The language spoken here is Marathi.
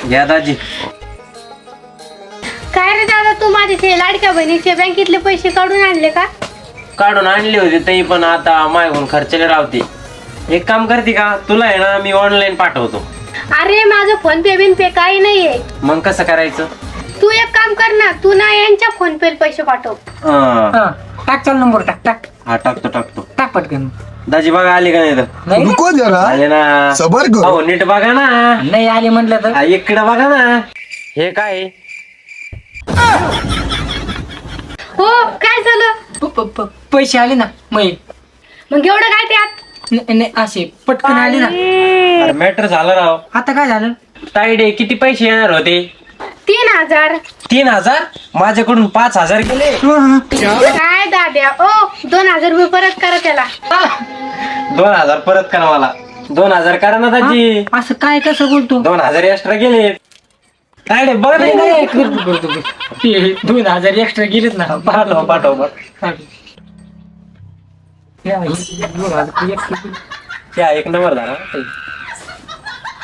घ्या दाजी. काय रे दादा, तू माझे ते लाडक्या बहिणीचे बँकेतले पैसे काढून आणले का? काढून आणले होते ते, पण आता मागून खर्चले राहते. एक काम करते का, तुला आहे ना मी ऑनलाईन पाठवतो. अरे माझं फोन पे बिन पे काही नाहीये. मग कसं करायचं? तू एक काम कर ना, तू ना यांच्या फोन पे पैसे पाठव. हा टाक, चल नंबर टाक टाक टाकतो. टाक पटकन. दाजी बघा आले का नाही तर? नाही ना? रुको जरा, आले ना. सबर करो. हो नीट बघा ना. नाही आले म्हटलं तर इकडे बघा ना. हे काय आहे? हो, काय झालं? पैसे आले ना मग एवढं काय त्यात? नाही असे पटकन आले ना. अरे मॅटर झालं राव. आता काय झालं? ताईडे किती पैसे येणार होते? 3000. 3000? माझ्याकडून 5000 गेले. काय दाद्या, ओ 2000 रुपये परत करा त्याला. 2000 परत करा मला. 2000 करा ना दाजी. असं काय कसं बोलतो? 2000 एक्स्ट्रा गेले. ताईडे बघ नाही, नाही. नाही, करतो. 2000 एक्स्ट्रा गेलेत ना. पाठव. या, 2000 extra. त्या एक नंबर झाला.